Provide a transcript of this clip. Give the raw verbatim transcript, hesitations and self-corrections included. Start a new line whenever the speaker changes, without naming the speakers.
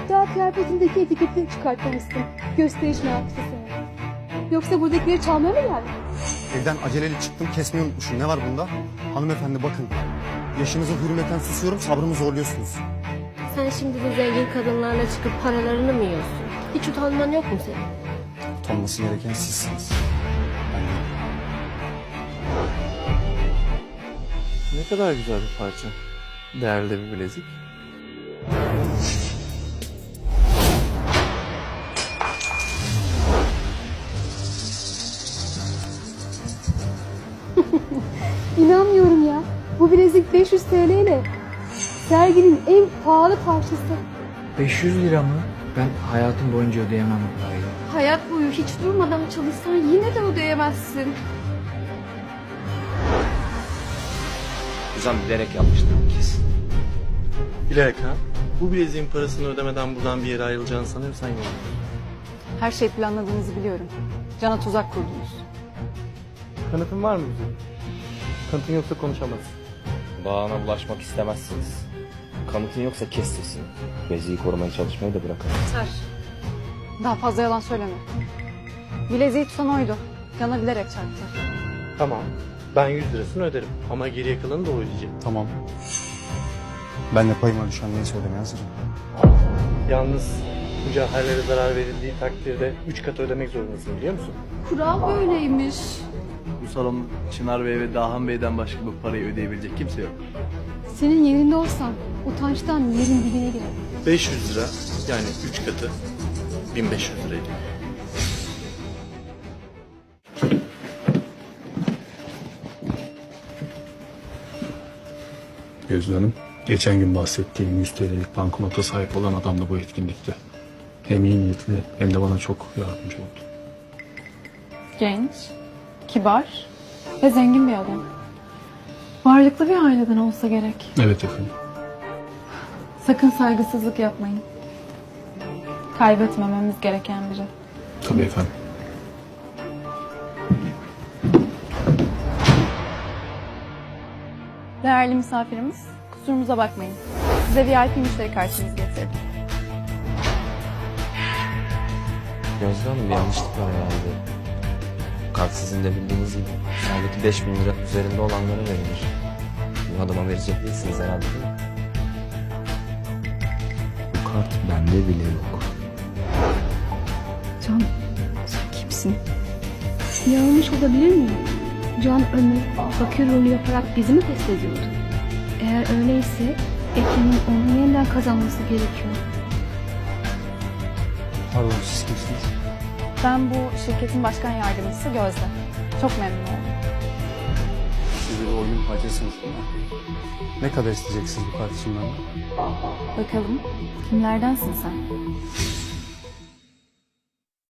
Hatta kıyafetindeki etiketi çıkartmamışsın. Gösteriş meraklısı seni. Yoksa buradakileri çalmaya mı geldin?
Evden aceleyle çıktım, kesmeyi unutmuşum. Ne var bunda? Hanımefendi bakın. Yaşınıza hürmeten susuyorum, sabrımı zorluyorsunuz.
Sen şimdi bu zengin kadınlarla çıkıp paralarını mı yiyorsun? Hiç utanman yok mu senin?
Utanması gereken sizsiniz. Ben değilim.
Ne kadar güzel bir parça. Değerli bir bilezik.
İnanmıyorum ya. Bu bilezik beş yüz T L ile. Serginin en pahalı parçası.
beş yüz lira mı? Ben hayatım boyunca ödeyemem bu parayı.
Hayat boyu hiç durmadan çalışsan yine de ödeyemezsin.
Hocam bilerek yapmıştır bu kesin.
Bilerek ha? Bu bileziğin parasını ödemeden buradan bir yere ayrılacağını sanıyorsan yok.
Her şey planladığınızı biliyorum. Can'a tuzak kurdunuz.
Kanıtın var mı güzel? Kanıtın yoksa konuşamazsın.
Bağına bulaşmak istemezsiniz. Kanıtın yoksa kes sesini. Beziyi korumaya çalışmayı da bırakın.
Daha fazla yalan söyleme. Bileziği tutan oydu. Can'a bilerek çarptı.
Tamam. Ben yüz lirasını öderim. Ama geriye kalanı da o ödeyecek.
Tamam. Ben de payıma düşen neyse ödemeye hazırım.
Yalnız mücevherlere zarar verildiği takdirde üç kat ödemek zorundasın biliyor musun?
Kural böyleymiş.
Bu salon Çınar Bey ve Dahan Bey'den başka bu parayı ödeyebilecek kimse yok.
Senin yerinde olsam utançtan yerin dibine girer.
beş yüz lira yani üç katı bin beş yüz liraydı.
Gözde Hanım, geçen gün bahsettiğim yüz T L'lik banknota sahip olan adam da bu etkinlikte. Hem iyi niyetli hem de bana çok yardımcı oldu.
Genç, kibar ve zengin bir adam. Varlıklı bir aileden olsa gerek.
Evet efendim.
Sakın saygısızlık yapmayın. Kaybetmememiz gereken biri.
Tabii efendim.
Değerli misafirimiz, kusurumuza bakmayın. Size V I P müşteri kartınızı getirdim.
Gözde Hanım bir yanlışlık var herhalde. Kart sizin de bildiğiniz gibi. Sadece beş bin lira üzerinde olanlara verilir. Bu adama verecek değilsiniz herhalde değil mi? Bu kart bende bile yok.
Can, sen kimsin? Yanlış olabilir mi? Can Ömer fakir rolü yaparak bizi mi test ediyordu? Eğer öyleyse Ekin'in onu yeniden kazanması gerekiyor.
Pardon, siz kimsiniz?
Ben bu şirketin başkan yardımcısı Gözde. Çok memnun oldum.
Siz de bir oyunun parçasınız değil mi? Ne kadar isteyeceksiniz bu kart için benden?
Bakalım, kimlerdensin sen?